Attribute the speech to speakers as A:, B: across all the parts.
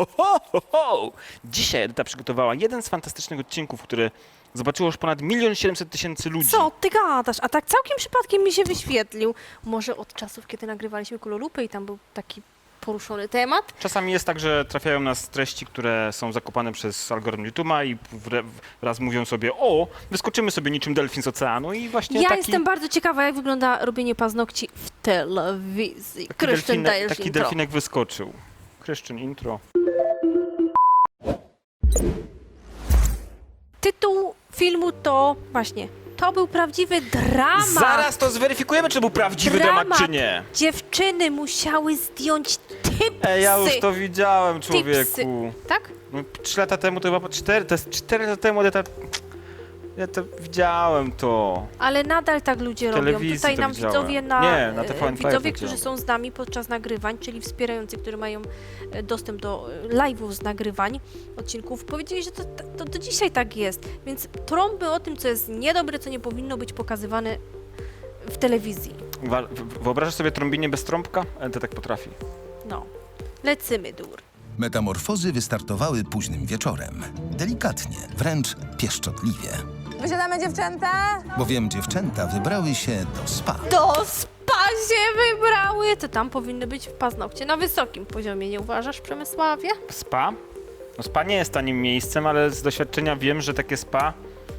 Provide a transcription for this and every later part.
A: Ho! Dzisiaj Edyta przygotowała jeden z fantastycznych odcinków, który zobaczyło już ponad 1 700 000 ludzi.
B: Co ty gadasz? A tak całkiem przypadkiem mi się wyświetlił. Może od czasów, kiedy nagrywaliśmy Kulolupę i tam był taki poruszony temat.
A: Czasami jest tak, że trafiają nas treści, które są zakopane przez algorytm YouTube'a i wraz mówią sobie, o, wyskoczymy sobie niczym delfin z oceanu i właśnie
B: Ja
A: taki...
B: jestem bardzo ciekawa, jak wygląda robienie paznokci w telewizji. Krysztyn, dajesz
A: taki
B: intro.
A: delfinek wyskoczył. Kryszczyn, intro.
B: Tytuł filmu to właśnie, to był prawdziwy dramat.
A: Zaraz to zweryfikujemy, czy był prawdziwy temat, czy nie.
B: Dziewczyny musiały zdjąć typsy.
A: Ja już to widziałem,
B: Tipsy.
A: człowieku.
B: Tak?
A: No, 3 lata temu to chyba 4, to jest 4 lata temu, ja to widziałem to.
B: Ale nadal tak ludzie robią.
A: telewizji
B: Tutaj
A: to
B: nam
A: widziałem.
B: widzowie
A: Nie, na TVN
B: widzowie,
A: widziałem.
B: którzy są z nami podczas nagrywań, czyli wspierający, którzy mają dostęp do live'ów z nagrywań odcinków, powiedzieli, że to do dzisiaj tak jest. Więc trąby o tym, co jest niedobre, co nie powinno być pokazywane w telewizji.
A: Wyobrażasz sobie trąbienie bez trąbka? To tak potrafi.
B: No. Lecymy dur.
C: Metamorfozy wystartowały późnym wieczorem. Delikatnie, wręcz pieszczotliwie.
D: Wysiadamy, dziewczęta?
C: Bowiem dziewczęta wybrały się do spa.
B: Do spa się wybrały! To tam powinny być paznokcie na wysokim poziomie, nie uważasz, Przemysławie?
A: Spa? No spa nie jest tanim miejscem, ale z doświadczenia wiem, że takie spa,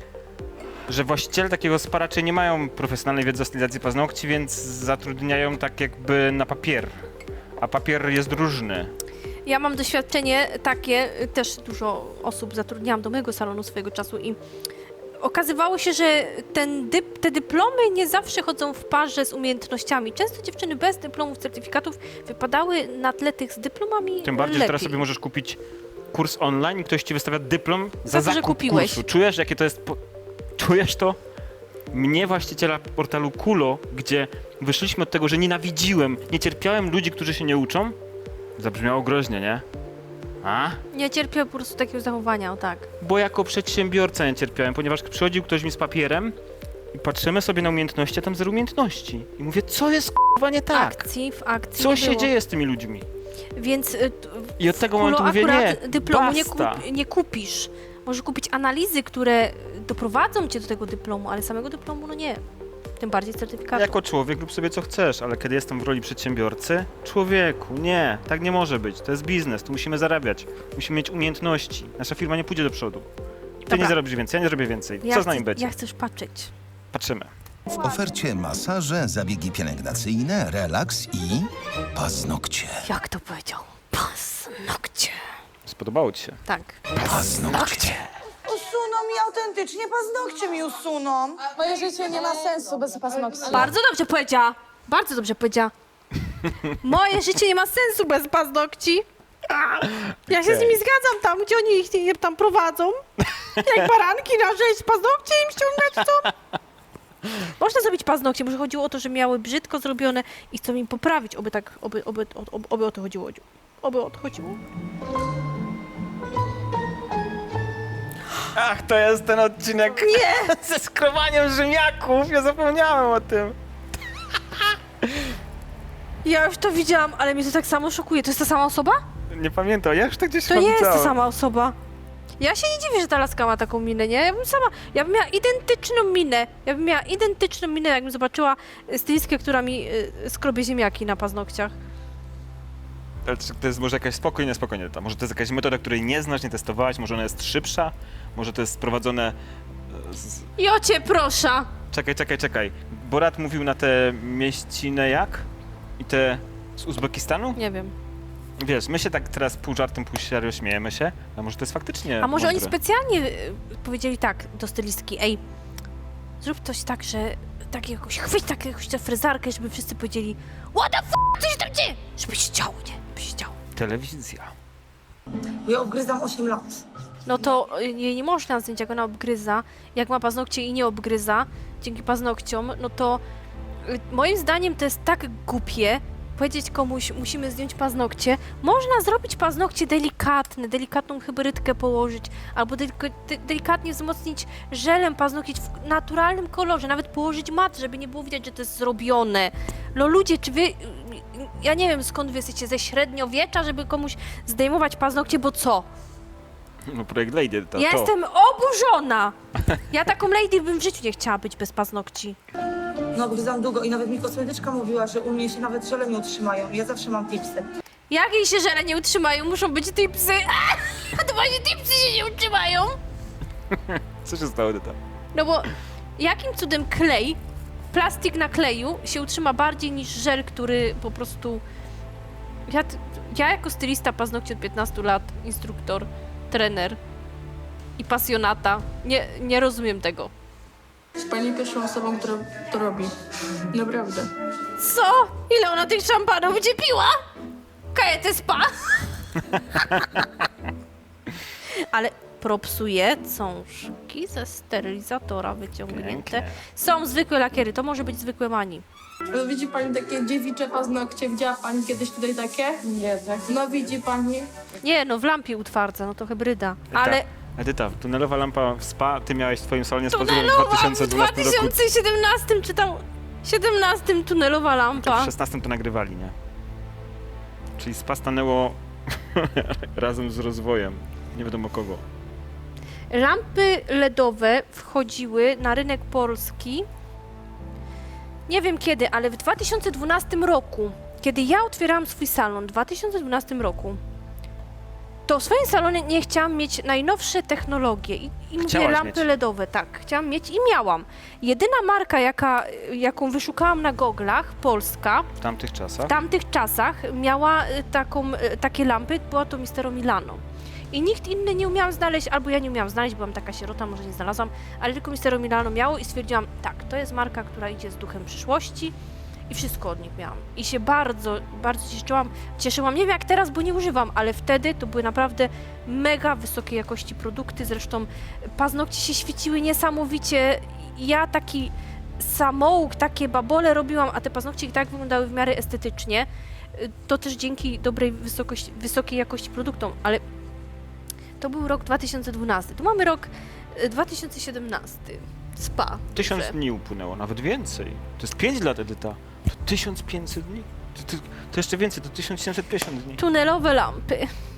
A: że właściciele takiego spa raczej nie mają profesjonalnej wiedzy o stylizacji paznokci, więc zatrudniają tak jakby na papier. A papier jest różny.
B: Ja mam doświadczenie takie, też dużo osób zatrudniałam do mojego salonu swojego czasu i okazywało się, że te dyplomy nie zawsze chodzą w parze z umiejętnościami. Często dziewczyny bez dyplomów, certyfikatów wypadały na tle tych z dyplomami
A: Tym bardziej, że
B: lepiej.
A: teraz sobie możesz kupić kurs online i ktoś ci wystawia dyplom za
B: Za to, że
A: zakup
B: kupiłeś.
A: kursu. Czujesz, jakie to jest... Czujesz to? Mnie, właściciela portalu Kulo, gdzie wyszliśmy od tego, że nienawidziłem, nie cierpiałem ludzi, którzy się nie uczą, zabrzmiało groźnie, nie? A?
B: Nie cierpię po prostu takiego zachowania, o tak.
A: Bo jako przedsiębiorca nie cierpiałem, ponieważ przychodził ktoś mi z papierem i patrzymy sobie na umiejętności, a tam zero umiejętności. I mówię, co jest k***wa nie tak?
B: W akcji
A: Co
B: nie
A: się
B: było.
A: dzieje z tymi ludźmi?
B: Więc
A: I od tego
B: Kulo
A: momentu mówię, nie,
B: akurat dyplomu
A: basta.
B: nie kupisz. Możesz kupić analizy, które doprowadzą cię do tego dyplomu, ale samego dyplomu no nie. Tym bardziej certyfikatu.
A: Jako człowiek rób sobie co chcesz, ale kiedy jestem w roli przedsiębiorcy, człowieku, nie, tak nie może być. To jest biznes, tu musimy zarabiać, musimy mieć umiejętności. Nasza firma nie pójdzie do przodu. Ty
B: Dobra.
A: nie zarobisz więcej, ja nie zrobię więcej. Co z nami będzie?
B: Ja chcę już patrzeć.
A: Patrzymy.
C: W ofercie masaże, zabiegi pielęgnacyjne, relaks i paznokcie.
B: Jak to powiedział? Paznokcie.
A: Spodobało ci się?
B: Tak.
C: Paznokcie.
D: Usuną mi autentycznie, paznokcie mi usuną. Moje życie nie ma sensu bez paznokci.
B: Bardzo dobrze powiedziała. Bardzo dobrze powiedziała. Moje życie nie ma sensu bez paznokci. Ja się z nimi zgadzam tam, gdzie oni ich nie tam prowadzą. Jak baranki na rzeź, paznokcie im ściągać, co? Można zrobić paznokcie, może chodziło o to, że miały brzydko zrobione i chcą im poprawić, oby tak, oby o to chodziło. Oby o to chodziło.
A: Ach, to jest ten odcinek
B: Nie!
A: ze skrowaniem Rzymiaków, ja zapomniałem o tym.
B: Ja już to widziałam, ale mnie to tak samo szokuje. To jest ta sama osoba?
A: Nie pamiętam, ja już tak gdzieś
B: To nie jest ta
A: widziałem.
B: sama osoba. Ja się nie dziwię, że ta laska ma taką minę, nie? Ja bym miała identyczną minę. Ja bym miała identyczną minę, jakbym zobaczyła stylistkę, która mi skrobie ziemniaki na paznokciach.
A: Ale czy to jest może jakaś spokojnie, może to jest jakaś metoda, której nie znasz, nie testowałaś, może ona jest szybsza, może to jest sprowadzone z...
B: Jocie, proszę!
A: Czekaj. Borat mówił na te mieścinę jak? I te z Uzbekistanu?
B: Nie wiem.
A: Wiesz, my się tak teraz pół żartem, pół serio śmiejemy się, a może to jest faktycznie
B: A może oni
A: mądre.
B: specjalnie powiedzieli tak do stylistki, ej, zrób coś tak, że tak jakoś, chwyć tak jakąś tę frezarkę, żeby wszyscy powiedzieli what the f***, co się tam dzieje? Żeby się działo, nie? Żeby się działo.
A: Telewizja.
D: Ja obgryzam 8 lat.
B: No to jej nie można zdjąć, jak ona obgryza. Jak ma paznokcie i nie obgryza dzięki paznokciom, no to moim zdaniem to jest tak głupie, powiedzieć komuś, musimy zdjąć paznokcie, można zrobić paznokcie delikatne, delikatną hybrydkę położyć, albo delikatnie wzmocnić żelem paznokcie w naturalnym kolorze, nawet położyć mat, żeby nie było widać, że to jest zrobione. No ludzie, czy wy... Ja nie wiem, skąd wy jesteście, ze średniowiecza, żeby komuś zdejmować paznokcie, bo co?
A: No projekt Lady, to
B: Ja
A: to.
B: jestem oburzona! Ja taką lady bym w życiu nie chciała być bez paznokci.
D: No gryzam długo i nawet mi kosmetyczka mówiła, że u mnie się nawet żele nie utrzymają. Ja zawsze mam tipsy.
B: Jak jej się żele nie utrzymają, muszą być tipsy. A to właśnie tipsy się nie utrzymają.
A: Co się stało, Edyta?
B: No bo jakim cudem klej, plastik na kleju się utrzyma bardziej niż żel, który po prostu... Ja jako stylista paznokci od 15 lat, instruktor, trener i pasjonata, nie rozumiem tego.
E: Jest pani pierwszą osobą, która to robi. Naprawdę.
B: Co? Ile ona tych szampanów będzie piła? Kajetę spa. Ale propsuje cążki ze sterylizatora wyciągnięte.
A: Pięknie.
B: Są zwykłe lakiery, to może być zwykłe mani.
E: No, widzi pani takie dziewicze paznokcie? Widziała pani kiedyś tutaj takie? Nie, tak. No widzi pani.
B: Nie, no w lampie utwardza, no to hybryda. Ale
A: Edyta, tunelowa lampa w spa, ty miałeś w twoim salonie z pazurem w
B: tunelowa w
A: 2012 roku.
B: 2017 czy tam 17 tunelowa lampa.
A: W 16 to nagrywali, nie? Czyli spa stanęło razem z rozwojem. Nie wiadomo kogo.
B: Lampy LEDowe wchodziły na rynek polski. Nie wiem kiedy, ale w 2012 roku, kiedy ja otwierałam swój salon, w 2012 roku, to w swoim salonie nie chciałam mieć najnowsze technologie i mówię
A: Chciałaś
B: lampy
A: mieć.
B: LEDowe, tak, chciałam mieć i miałam. Jedyna marka, jaką wyszukałam na goglach, polska,
A: W tamtych czasach.
B: w tamtych czasach miała takie lampy, była to Mistero Milano. I nikt inny nie umiał znaleźć, albo ja nie umiałam znaleźć, byłam taka sierota, może nie znalazłam, ale tylko Mistero Milano miało i stwierdziłam, tak, to jest marka, która idzie z duchem przyszłości i wszystko od nich miałam. I się bardzo, bardzo cieszyłam, nie wiem jak teraz, bo nie używam, ale wtedy to były naprawdę mega wysokiej jakości produkty, zresztą paznokcie się świeciły niesamowicie. Ja taki samouk, takie babole robiłam, a te paznokcie i tak wyglądały w miarę estetycznie. To też dzięki dobrej wysokiej jakości produktom, ale to był rok 2012. Tu mamy rok 2017. Spa.
A: 1000
B: duże.
A: dni upłynęło, nawet więcej. To jest 5 lat, Edyta. To 1500 dni. To jeszcze więcej, to 1750 dni.
B: Tunelowe lampy.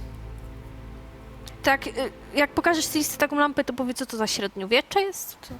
B: Tak, jak pokażesz stylisty taką lampę, to powie, co to za średniowiecze jest? Co?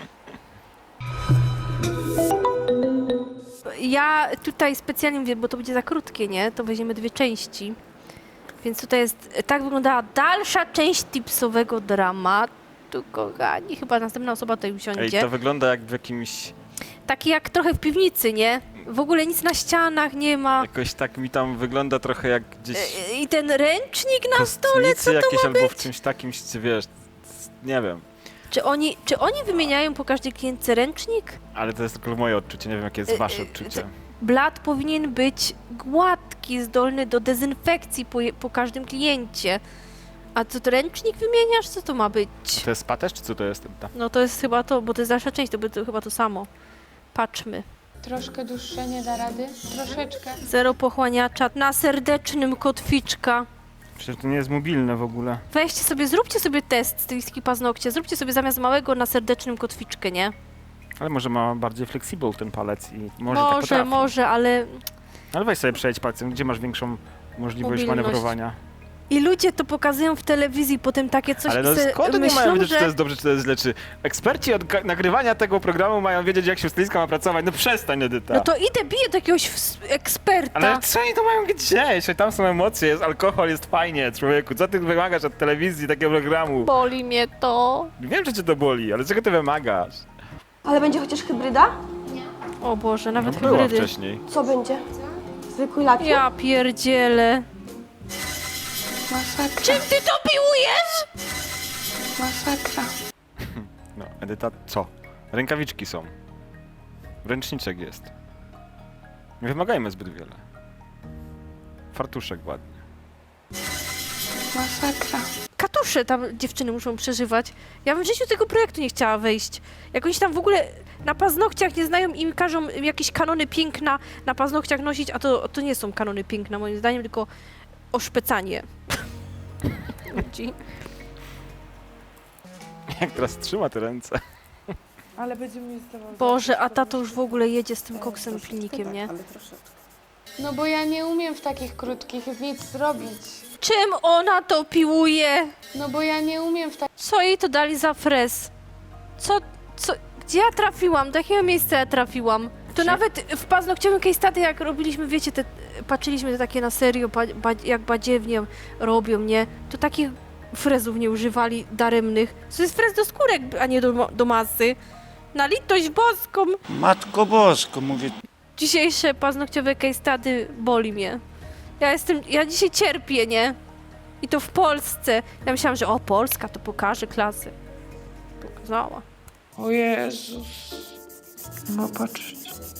B: Ja tutaj specjalnie mówię, bo to będzie za krótkie, nie? To weźmiemy 2 części. Więc tutaj jest, tak wyglądała dalsza część tipsowego dramatu, kochani. Chyba następna osoba tutaj
A: Ej,
B: usiądzie.
A: to wygląda jak w jakimś...
B: Taki jak trochę w piwnicy, nie? W ogóle nic na ścianach nie ma.
A: Jakoś tak mi tam wygląda trochę jak gdzieś...
B: I ten ręcznik na stole,
A: kostnicy
B: co to
A: jakieś
B: ma
A: albo
B: być?
A: w czymś takim, wiesz, nie wiem.
B: Czy oni wymieniają po każdej klientce ręcznik?
A: Ale to jest tylko moje odczucie, nie wiem jakie jest wasze odczucie.
B: Blat powinien być gładki, zdolny do dezynfekcji po każdym kliencie. A co, to ręcznik wymieniasz? Co to ma być?
A: To jest spa też, czy co to jest?
B: No to jest chyba to, bo to jest dalsza część, to będzie chyba to samo. Patrzmy.
F: Troszkę dłuższe nie da rady? Troszeczkę.
B: Zero pochłaniacza na serdecznym kotwiczka.
A: Przecież to nie jest mobilne w ogóle.
B: Weźcie sobie, zróbcie sobie test stylistki paznokcie. Zróbcie sobie zamiast małego na serdecznym kotwiczkę, nie?
A: Ale może ma bardziej flexible ten palec i może tak potrafi.
B: Może, ale...
A: Ale weź sobie przejdź palcem, gdzie masz większą możliwość
B: Mobilność.
A: manewrowania.
B: I ludzie to pokazują w telewizji, potem takie coś
A: Ale no
B: i se
A: skąd oni
B: myślą,
A: mają wiedzieć,
B: że...
A: czy to jest dobrze, czy to jest źle? Czy eksperci od nagrywania tego programu mają wiedzieć, jak się stylistka ma pracować? No przestań, Edyta.
B: No to idę, biję do jakiegoś eksperta.
A: Ale co oni to mają gdzieś? Tam są emocje, jest alkohol, jest fajnie, człowieku. Co ty wymagasz od telewizji, takiego programu?
B: Boli mnie to.
A: Wiem, że cię to boli, ale czego ty wymagasz?
G: Ale będzie chociaż hybryda?
B: O Boże,
A: No
B: nawet
A: była
B: hybrydy.
A: wcześniej.
G: Co będzie? Zwykły lakier?
B: Ja pierdzielę.
F: Masakra,
B: Czym ty to piłujesz?
F: masakra.
A: No, Edyta, co? Rękawiczki są. Ręczniczek jest. Nie wymagajmy zbyt wiele. Fartuszek ładnie.
F: Masakra.
B: Katusze tam dziewczyny muszą przeżywać. Ja bym w życiu tego projektu nie chciała wejść. Jak oni się tam w ogóle na paznokciach nie znają i każą jakieś kanony piękna na paznokciach nosić, a to nie są kanony piękna moim zdaniem, tylko oszpecanie. Ludzi.
A: Jak teraz trzyma te ręce.
D: Ale będziemy mieć zdawał.
B: Boże, a tato już w ogóle jedzie z tym koksem pilnikiem, nie?
D: Ale troszeczkę.
F: No bo ja nie umiem w takich krótkich nic zrobić.
B: Czym ona to piłuje?
F: No bo ja nie umiem w takich...
B: Co jej to dali za frez? Co, gdzie ja trafiłam? Do jakiego miejsca ja trafiłam? To nawet w paznokciowym case study, jak robiliśmy, wiecie, patrzyliśmy te takie na serio, jak badziewnie robią, nie? To takich frezów nie używali daremnych. To jest frez do skórek, a nie do masy. Na litość boską!
H: Matko Bosko, mówię,
B: Dzisiejsze paznokciowe case study boli mnie. Ja dzisiaj cierpię, nie? I to w Polsce. Ja myślałam, że Polska to pokaże klasy. Pokazała.
H: o Jezus. No patrz.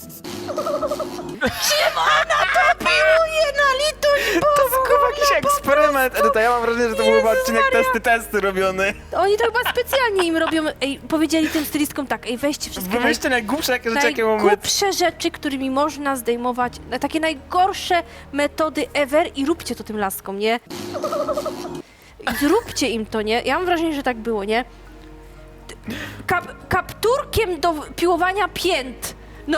B: Piłuje na litość
A: To był chyba jakiś eksperyment, Edyta. Ja mam wrażenie, że to był chyba odcinek testy robiony.
B: Oni to chyba specjalnie im robią. Ej, powiedzieli tym stylistkom tak, ej, weźcie wszystkie
A: Wymyślcie najgłupsze jakie rzeczy, jakie mamy.
B: najgłupsze rzeczy, którymi można zdejmować, takie najgorsze metody ever i róbcie to tym laskom, nie? I zróbcie im to, nie? Ja mam wrażenie, że tak było, nie? Kapturkiem do piłowania pięt. No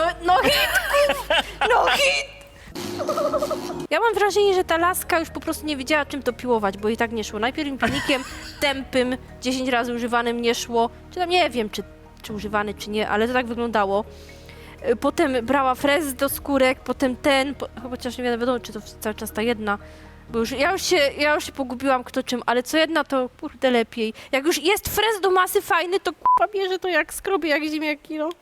B: hit! Ja mam wrażenie, że ta laska już po prostu nie wiedziała, czym to piłować, bo i tak nie szło. Najpierw im pilnikiem tępym, 10 razy używanym nie szło. Czy tam nie wiem, czy używany, czy nie, ale to tak wyglądało. Potem brała frez do skórek, potem chociaż nie wiadomo, czy to cały czas ta jedna. Bo ja już się pogubiłam kto czym, ale co jedna to kurde lepiej. Jak już jest frez do masy fajny, to k***a bierze to jak skrobie, jak ziemniaki, no.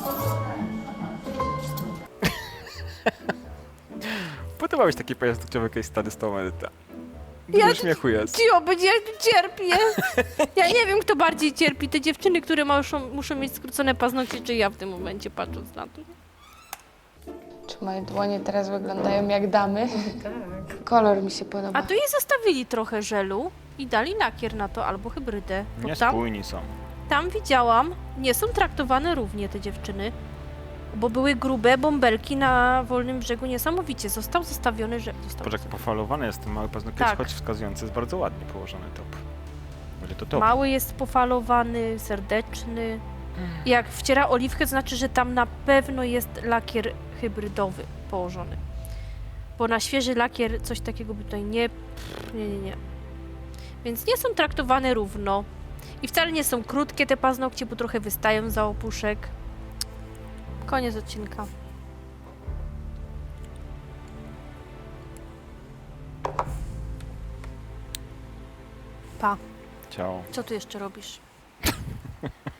A: Podobałeś taki paznokciowy case study z tą Edyta.
B: Ja-
A: Dużo śmiechu jest.
B: Cio, będzie ja tu cierpię. Ja nie wiem, kto bardziej cierpi. Te dziewczyny, które muszą mieć skrócone paznokcie, czy ja w tym momencie, patrząc na to.
F: Czy moje dłonie teraz wyglądają jak damy? Tak. Kolor mi się podoba.
B: A tu jej zostawili trochę żelu i dali lakier na to, albo hybrydę. Bo
A: Niespójni są.
B: tam widziałam, nie są traktowane równie te dziewczyny, bo były grube bąbelki na Wolnym Brzegu niesamowicie. Został zostawiony żel.
A: Patrz, jak pofalowany jest ten mały paznokieć,
B: Tak.
A: choć wskazujący jest bardzo ładnie położony top. Będzie to top.
B: Mały jest pofalowany, serdeczny. Jak wciera oliwkę, to znaczy, że tam na pewno jest lakier hybrydowy położony. Bo na świeży lakier coś takiego by tutaj nie. Więc nie są traktowane równo. I wcale nie są krótkie te paznokcie, bo trochę wystają za opuszek. Koniec odcinka. Pa.
A: Ciao.
B: Co tu jeszcze robisz?